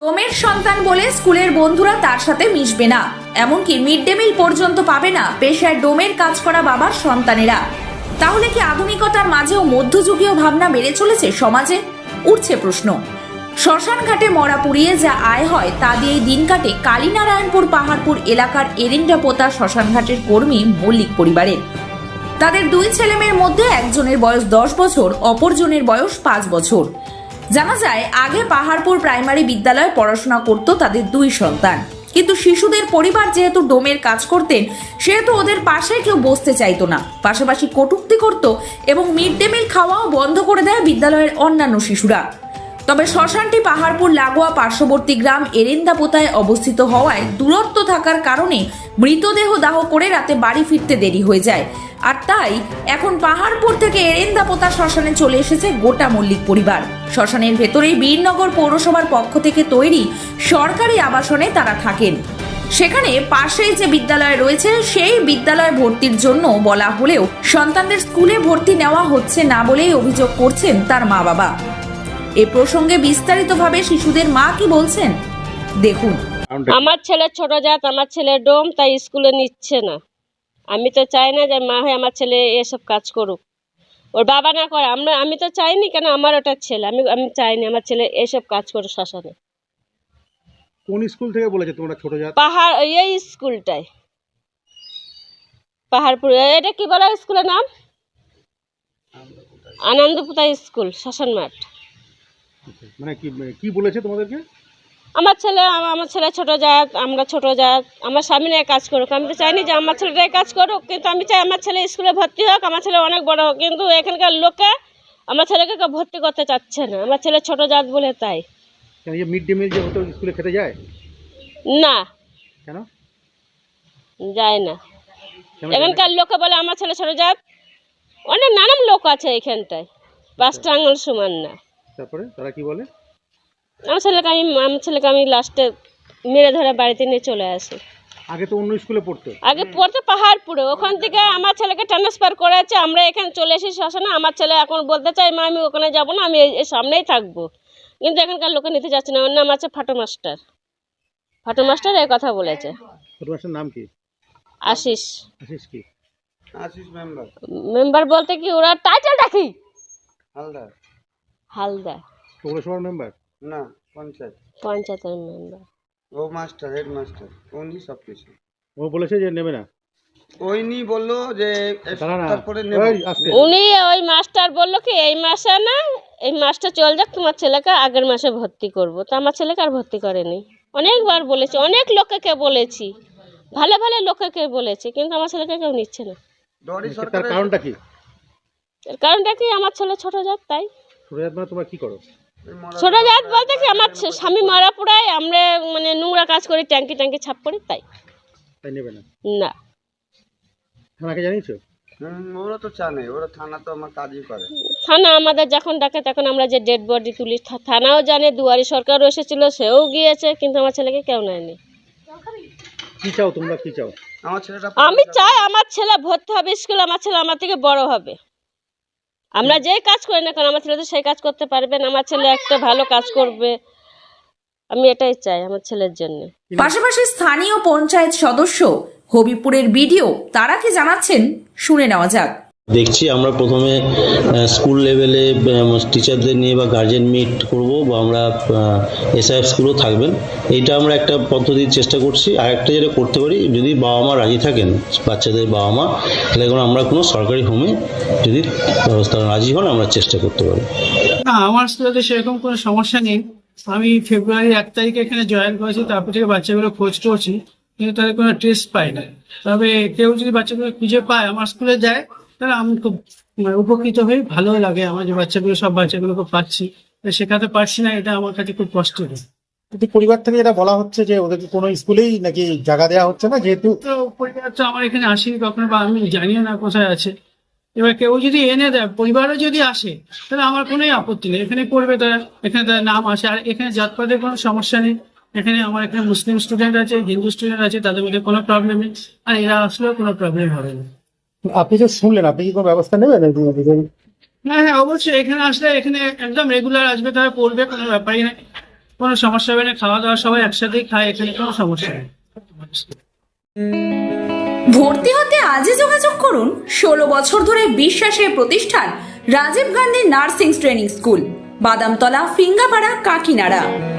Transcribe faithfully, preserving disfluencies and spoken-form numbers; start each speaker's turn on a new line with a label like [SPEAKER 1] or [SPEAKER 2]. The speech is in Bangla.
[SPEAKER 1] ডোমের সন্তান বলে স্কুলের বন্ধুরা তার সাথে মিশবে না, এমনকি মিড ডে মিল পর্যন্ত পাবে না পেশায় ডোমের কাজ করা বাবার সন্তানেরা। তাহলে কি আধুনিকতার মাঝেও মধ্যযুগীয় ভাবনা বেড়ে চলেছে সমাজে? উঠছে প্রশ্ন। শ্মশান ঘাটে মরা পুড়িয়ে যা আয় হয় তা দিয়েই দিন কাটে কালীনারায়ণপুর পাহাড়পুর এলাকার এরিন্ডা পোতা শ্মশান ঘাটের কর্মী মল্লিক পরিবারের। তাদের দুই ছেলেমেয়ের মধ্যে একজনের বয়স দশ বছর, অপরজনের বয়স পাঁচ বছর। জানা যায় আগে পাহাড়পুর প্রাইমারি বিদ্যালয়ে পড়াশোনা করত তাদের দুই সন্তান, কিন্তু শিশুদের পরিবার যেহেতু ডোমের কাজ করতেন সেহেতু ওদের পাশে কেউ বসতে চাইতো না, পাশাপাশি কটূক্তি করত এবং মিড ডে মিল খাওয়াও বন্ধ করে দেয় বিদ্যালয়ের অন্যান্য শিশুরা। তবে শ্মশানটি পাহাড়পুর লাগোয়া পার্শ্ববর্তী গ্রাম এরেন্দাপোতায় অবস্থিত হওয়ায় দূরত্ব থাকার কারণে মৃতদেহ দাহ করে রাতে বাড়ি ফিরতে দেরি হয়ে যায়। আর তাই এখন পাহাড়পুর থেকে এরেন্দাপোতা শ্মশানে চলে এসেছে গোটা মল্লিক পরিবার। শ্মশানের ভেতরেই বীরনগর পৌরসভার পক্ষ থেকে তৈরি সরকারি আবাসনে তারা থাকেন। সেখানে পাশেই যে বিদ্যালয় রয়েছে সেই বিদ্যালয় ভর্তির জন্য বলা হলেও সন্তানদের স্কুলে ভর্তি নেওয়া হচ্ছে না বলেই অভিযোগ করছেন তার মা বাবা। এ প্রসঙ্গে বিস্তারিতভাবে শিশুদের মা কি বলছেন দেখুন।
[SPEAKER 2] আমার ছেলে ছোট জাত, আমার ছেলে ডোম, তাই স্কুলে নিচ্ছে না। আমি তো চাই না যে মা হয়ে আমার ছেলে এসব কাজ করুক, ওর বাবা না করে। আমরা আমি তো চাইনি, কেন আমার ওটা ছেলে, আমি আমি চাইনি আমার ছেলে এসব কাজ করুক শ্মশানে।
[SPEAKER 3] কোন স্কুল থেকে বলেছে তোমরা ছোট জাত?
[SPEAKER 2] পাহাড় এই স্কুলটাই, পাহাড়পুর। এটা কি বলা স্কুলের নাম? আনন্দপুতা স্কুল, শ্মশান মাঠ।
[SPEAKER 3] মানে কি কি বলেছে তোমাদেরকে?
[SPEAKER 2] আমার ছেলে আমার ছেলে ছোট জাত, আমরা ছোট জাত, আমার স্বামী নিয়ে কাজ করুক। আমি তো চাইনি যে আমার ছেলেটাই কাজ করুক, কিন্তু আমি চাই আমার ছেলে স্কুলে ভর্তি হোক, আমার ছেলে অনেক বড় হোক। কিন্তু এখানকার লোকে আমার ছেলেকে কেউ ভর্তি করতে চাচ্ছে না, আমার ছেলে ছোট জাত বলে। তাই
[SPEAKER 3] মিড ডে মিল যে হতো স্কুলে খেতে যায়
[SPEAKER 2] না,
[SPEAKER 3] কেন
[SPEAKER 2] যায় না? এখানকার লোকে বলে আমার ছেলে ছোট জাত। অনেক নানান লোক আছে এখানটায়, পাঁচটা আঙুল সমান না।
[SPEAKER 3] তারপরে তারা কি বলে?
[SPEAKER 2] আমার ছেলেকে আমি আমার ছেলেকে আমি লাস্টে মেরে ধরে বাড়িতে নিয়ে চলে আসি।
[SPEAKER 3] আগে তো অন্য স্কুলে পড়তো।
[SPEAKER 2] আগে পড়তে পাহাড়পুরে, ওখান থেকে আমার ছেলেকে ট্রান্সফার করেছে, আমরা এখানে চলে এসেছি শ্মশানে। আমার ছেলে এখন বলতে চাই মা আমি ওখানে যাবো না, আমি এই সামনেই থাকবো, কিন্তু এখানকার লোকে নিতে যাচ্ছে না। ওর নাম আছে ফাটো মাস্টার। ফাটো মাস্টার এই কথা বলেছে।
[SPEAKER 3] ফাটো মাস্টার নাম কি?
[SPEAKER 2] আশিস।
[SPEAKER 3] আশিস কি?
[SPEAKER 4] আশিস মেম্বার।
[SPEAKER 2] মেম্বার বলতে কি ওরা টাইটেলটা কি?
[SPEAKER 4] হালদার।
[SPEAKER 2] হালদার
[SPEAKER 3] পৌরসভার মেম্বার
[SPEAKER 4] না, পঞ্চায়েত।
[SPEAKER 2] পঞ্চায়েতের মেম্বার।
[SPEAKER 4] ও মাস্টার, হেড মাস্টার, উনি সব কিছু।
[SPEAKER 3] ও বলেছে যে নেবে না।
[SPEAKER 4] ওইনি বললো যে তারপরে
[SPEAKER 2] উনি ওই মাস্টার বললো কি এই মাসে না, এই মাসটা চল যাক, তোমার ছেলেকে আগের মাসে ভর্তি করবো। তো আমার ছেলেকে আর ভর্তি করেনি। অনেকবার বলেছি, অনেক লোককে বলেছি, ভালো ভালো লোককে বলেছি, কিন্তু আমার ছেলেকে কেউ নিচ্ছে না।
[SPEAKER 3] তার কারণটা কি?
[SPEAKER 2] এর কারণটা কি? আমার ছেলে ছোট জাত, তাই।
[SPEAKER 3] ছোট জাত মানে তোমরা কি করো?
[SPEAKER 2] ছোট জাত বলতে কি আমার স্বামী মারা পোড়ায়, আমরা মানে নোংরা কাজ করি, ট্যাঙ্কি ট্যাঙ্কি ছাপ করি, তাই।
[SPEAKER 3] তাই নেবে না?
[SPEAKER 2] না।
[SPEAKER 3] থানাকে জানিয়েছো?
[SPEAKER 4] ওরা তো জানে, ওরা থানা তো আমার কাজই করে।
[SPEAKER 2] থানা আমাদের যখন ডাকে তখন আমরা যে ডেড বডি তুলি, থানাও জানে, দুয়ারি সরকারও এসেছিল, সেও গিয়েছে, কিন্তু আমার ছেলেকে কেউ নেয়নি।
[SPEAKER 3] কি চাও তোমরা, কি চাও?
[SPEAKER 4] আমার ছেলেটা
[SPEAKER 2] আমি চাই আমার ছেলে ভর্তি হবে স্কুলে, আমার ছেলে আমার থেকে বড় হবে। আমরা যে কাজ করি না কেন আমার ছেলে তো সেই কাজ করতে পারবেন, আমার ছেলে একটা ভালো কাজ করবে, আমি এটাই চাই আমার ছেলের জন্য।
[SPEAKER 1] পাশাপাশি স্থানীয় পঞ্চায়েত সদস্য হবিপুরের বিডিও তারা কি জানাচ্ছেন শুনে নেওয়া যাক।
[SPEAKER 5] দেখছি আমরা প্রথমে স্কুল লেভেলে টিচারদের নিয়ে বা গার্জেন মিট করব, বা আমরা এসআইএফ স্কুলও থাকবেন, এইটা আমরা একটা পদ্ধতির চেষ্টা করছি। আর একটা যেটা করতে পারি, যদি বাবা মা রাজি থাকেন, বাচ্চাদের বাবা মা, তাহলে এখন আমরা কোনো সরকারি হোমে যদি ব্যবস্থা রাজি হন আমরা চেষ্টা করতে পারি।
[SPEAKER 6] না, আমার স্কুলে সেরকম কোনো সমস্যা নেই। আমি ফেব্রুয়ারি এক তারিখে এখানে জয়েন করেছি, তারপর থেকে বাচ্চাগুলো খোঁজ করছি, কিন্তু তাদের কোনো টেস্ট পাই না। তবে কেউ যদি বাচ্চাগুলো খুঁজে পায় আমার স্কুলে যায়, তাহলে আমি খুব উপকৃত হই, ভালো লাগে আমার যে বাচ্চাগুলো সব বাচ্চাগুলোকে পাচ্ছি, শেখাতে পারছি না, এটা আমার কাছে খুব কষ্ট হয়।
[SPEAKER 3] কিন্তু পরিবার থেকে যেটা বলা হচ্ছে যে ওদেরকে কোনো স্কুলেই নাকি জায়গা দেওয়া হচ্ছে না, যেহেতু
[SPEAKER 6] তো পরিবার তো আমার এখানে আসেনি কখনো, বা আমি জানিও না কোথায় আছে। এবার কেউ যদি এনে দেয়, পরিবারও যদি আসে, তাহলে আমার কোনোই আপত্তি নেই, এখানে পড়বে তারা, এখানে তার নাম আসে। আর এখানে জাতপাতের কোনো সমস্যা নেই, এখানে আমার এখানে মুসলিম স্টুডেন্ট আছে, হিন্দু স্টুডেন্ট আছে, তাদের মধ্যে কোনো প্রবলেম নেই, আর এরা আসলেও কোনো প্রবলেম হবে না।
[SPEAKER 3] আপনি যে শুনলেন, আপনি কি কোনো ব্যবস্থা নেবেন?
[SPEAKER 6] হ্যাঁ হ্যাঁ অবশ্যই, এখানে আসলে এখানে একদম রেগুলার আসবে, তারা পড়বে, কোনো ব্যাপারই নেই। কোনো সমস্যা হবে না, খাওয়া দাওয়া সবাই একসাথেই খায়, এখানে কোনো সমস্যা নেই।
[SPEAKER 1] ভর্তি হতে আজই যোগাযোগ করুন ষোলো বছর ধরে বিশ্বাসের প্রতিষ্ঠান Rajiv Gandhi nursing training school, Badamtala, Phingapara, কাকিনাড়া।